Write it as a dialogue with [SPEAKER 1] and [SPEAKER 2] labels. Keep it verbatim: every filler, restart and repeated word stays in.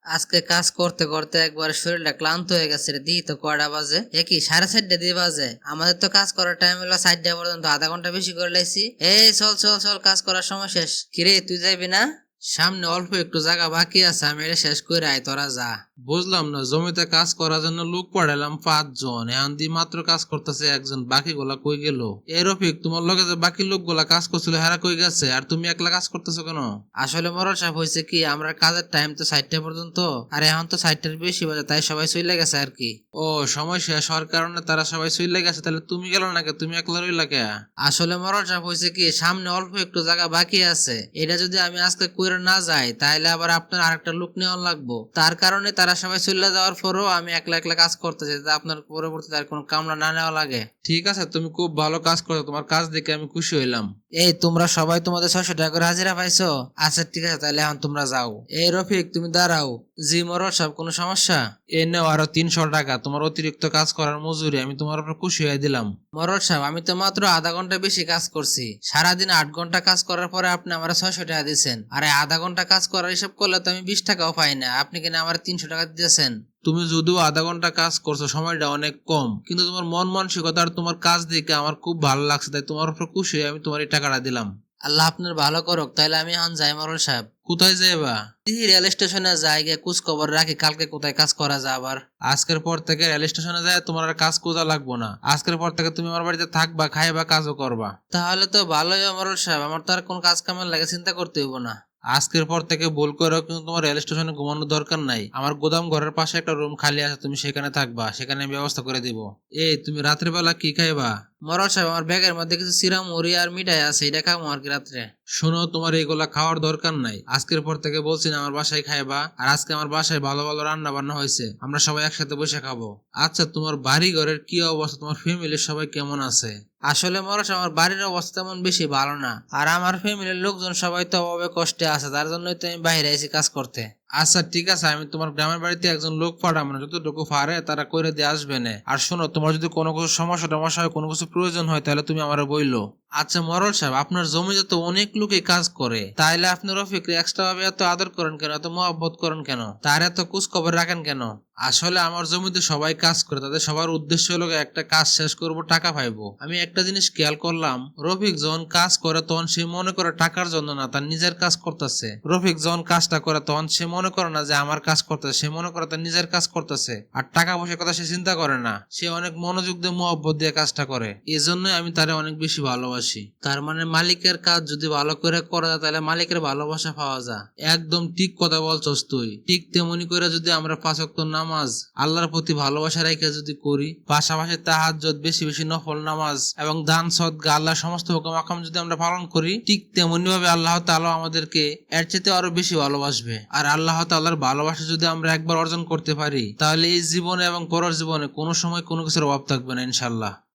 [SPEAKER 1] আজকে কাজ করতে করতে একবার শরীরটা ক্লান্ত হয়ে গেছে রে। দিই তো কয়টা বাজে, এ কি সাড়ে চারটা দিয়ে বাজে? আমাদের তো কাজ করার টাইম হলো চারটা পর্যন্ত, আধা ঘন্টা বেশি করে লাইছি। এই চল চল চল, কাজ করার সময় শেষ। কিরে তুই যাবি না? সামনে অল্প একটু জায়গা বাকি আছে, আমি এটা শেষ করে আয়, তোরা যা।
[SPEAKER 2] বুঝলাম না, জমিতে কাজ করার জন্য লোক পাঠালাম পাঁচজন, এখন দিয়ে মাত্র কাজ করতেছে একজন, বাকি গুলা কই গেল? এ রফিক, তোমার লগে যে বাকি লোকগুলা কাজ করছিল হেরা কই গেছে, আর তুমি একলা কাজ করতেছো কেন?
[SPEAKER 1] আসলে মরল সাহেব, হয়েছে কি, আমরা কাজের টাইম তো চারটা পর্যন্ত, আর এখন তো চারটার বেশি বাজে, তাই সবাই চলে গেছে আর কি।
[SPEAKER 2] ও, সময় শেষ হওয়ার কারণে তারা সবাই চলে গেছে, তাহলে তুমি গেল না কে? তুমি একলা রইলা কে?
[SPEAKER 1] আসলে মরল সাহেব, হয়েছে কি, সামনে অল্প একটু জায়গা বাকি আছে, এটা যদি আমি আজকে কইরা না যাই তাহলে আবার আপনার আরেকটা লোক নেওয়া লাগবো। তার কারণে তারা সবাই চলে যাওয়ার পরও আমি একলা একলা কাজ করতেছি, যাতে আপনার পরবর্তীতে আর কোনো কামলা না নেওয়া লাগে।
[SPEAKER 2] ঠিক আছে, তুমি খুব ভালো কাজ করছো, তোমার কাজ দেখে আমি খুশি হইলাম।
[SPEAKER 1] এই তোমরা সবাই তোমাদের ছয়শো টাকা করে হাজিরা পাইছো? আচ্ছা ঠিক আছে, তাহলে এখন তোমরা যাও। এই রফিক, তুমি দাঁড়াও। জি মরল সাহেব, কোনো সমস্যা?
[SPEAKER 2] এ নেও আরো তিনশো টাকা, তোমার অতিরিক্ত কাজ করার মজুরি, আমি তোমার উপর খুশি হয়ে দিলাম।
[SPEAKER 1] মরল সাহেব, আমি তো মাত্র আধা ঘন্টা বেশি কাজ করছি। সারাদিন আট ঘন্টা কাজ করার পরে আপনি আমার ছয়শো টাকা দিচ্ছেন, আর এই আধা ঘন্টা কাজ করার হিসাব করলে তো আমি বিশ টাকাও পাই না, আপনি কিনা আমার তিনশো টাকা দিতেছেন।
[SPEAKER 2] তুমি যদিও আধা ঘন্টা কাজ করছো, সময়টা অনেক কম, কিন্তু তোমার মন মানসিকতা আর তোমার কাজ দেখে আমার খুব ভালো লাগছে, তাই তোমার উপর খুশি হয়ে আমি তোমার এই টাকাটা দিলাম।
[SPEAKER 1] আল্লাহ আপনার ভালো করুক। তাহলে আমি এখন যাই মরল সাহেব।
[SPEAKER 2] কোথায় যাইবা?
[SPEAKER 1] দিহি রেল স্টেশনে যাই, গিয়ে কুচ খবর রাখি কালকে কোথায় কাজ করা যায় আবার।
[SPEAKER 2] আজকের পর থেকে রেল স্টেশনে যায় তোমার আর কাজ খোঁজা লাগবো না, আজকের পর থেকে তুমি আমার বাড়িতে থাকবা, খাইবা, কাজও করবা।
[SPEAKER 1] তাহলে তো ভালোই মরল সাহেব, আমার তো আর কোন কাজ কামের লাগে চিন্তা করতে হইব না।
[SPEAKER 2] আজকের পর থেকে ভুল করেও কিন্তু তোমার রেল স্টেশনে ঘুমানোর দরকার নাই, আমার গোদাম ঘরের পাশে একটা রুম খালি আছে, তুমি সেখানে থাকবা, সেখানে আমি ব্যবস্থা করে দিব। এই, তুমি রাতের বেলা কি খাইবা?
[SPEAKER 1] মরল সাহেব, আমার ব্যাগের মধ্যে কিছু চিরা মুড়ি আর মিঠাই আছে, এটা খাবো আর কি রাত্রে।
[SPEAKER 2] শোনো, তোমার এইগুলা খাওয়ার দরকার নাই, আজকের পর থেকে বলছি না আমার বাসায় খাইবা, আর আজকে আমার বাসায় ভালো ভালো রান্না বান্না হয়েছে, আমরা সবাই একসাথে বসে খাবো। আচ্ছা, তোমার বাড়ি ঘরের কি অবস্থা? তোমার ফ্যামিলির সবাই কেমন আছে?
[SPEAKER 1] আসলে মরল সাহেব, আমার বাড়ির অবস্থা তেমন বেশি ভালো না, আর আমার ফ্যামিলির লোকজন সবাই তো অভাবে কষ্টে আছে, তার জন্যই তো আমি বাইরে আইছি কাজ করতে।
[SPEAKER 2] আচ্ছা ঠিক আছে, আমি তোমার গ্রামের বাড়িতে একজন লোক পাঠাবো, না যতটুকু পারে তারা করে দিয়ে আসবে না। আর শোনো, তোমার যদি কোনো কিছু সমস্যা টমস্যা হয়, কোনো কিছু প্রয়োজন হয়, তাহলে তুমি আমার বইলো। আচ্ছা মরল সাহেব, আপনার জমিতে তো অনেক লোকই কাজ করে, তাইলে আপনি রফিককে এক্সট্রা ভাবে এত আদর করেন কেন, এত মহব্বত করেন কেন, তার এত খোঁজ খবর রাখেন কেন? আসলে আমার জমিতে সবাই কাজ করে, তাদের সবার উদ্দেশ্য হলো একটা কাজ শেষ করব, টাকা পাইবো। আমি একটা জিনিস খেয়াল করলাম, রফিক যখন কাজ করে তখন সে মনে করে টাকার জন্য না, তার নিজের কাজ করতেছে। রফিক যখন কাজটা করে তখন সে মনে করে না যে আমার কাজ করতেছে, সে মনে করে তার নিজের কাজ করতেছে, আর টাকা পয়সার কথা সে চিন্তা করে না, সে অনেক মনোযোগ দিয়ে মহব্বত দিয়ে কাজটা করে। এই জন্যই আমি তারে অনেক বেশি ভালোবাসি।
[SPEAKER 1] তার মানে মালিকের কাজ যদি ভালো করে করা যায় তাহলে মালিকের ভালোবাসা পাওয়া যায়।
[SPEAKER 2] একদম ঠিক কথা বলছস তুই। ঠিক তেমনি করে যদি আমরা পাঁচ ওয়াক্ত নামাজ আল্লাহর প্রতি ভালোবাসা রেখে যদি করি, পাশাপাশি তাহাজ্জুদ, বেশি বেশি নফল নামাজ এবং দান সদকা, আল্লাহর সমস্ত হুকুম আহকাম যদি আমরা পালন করি, ঠিক তেমনি ভাবে আল্লাহ তাআলা আমাদেরকে এর চেয়ে আরো বেশি ভালোবাসবে। আর আল্লাহ তাআলার ভালোবাসা যদি আমরা একবার অর্জন করতে পারি, তাহলে এই জীবনে এবং পরের জীবনে কোনো সময় কোনো কিছুর অভাব থাকবে না ইনশাআল্লাহ।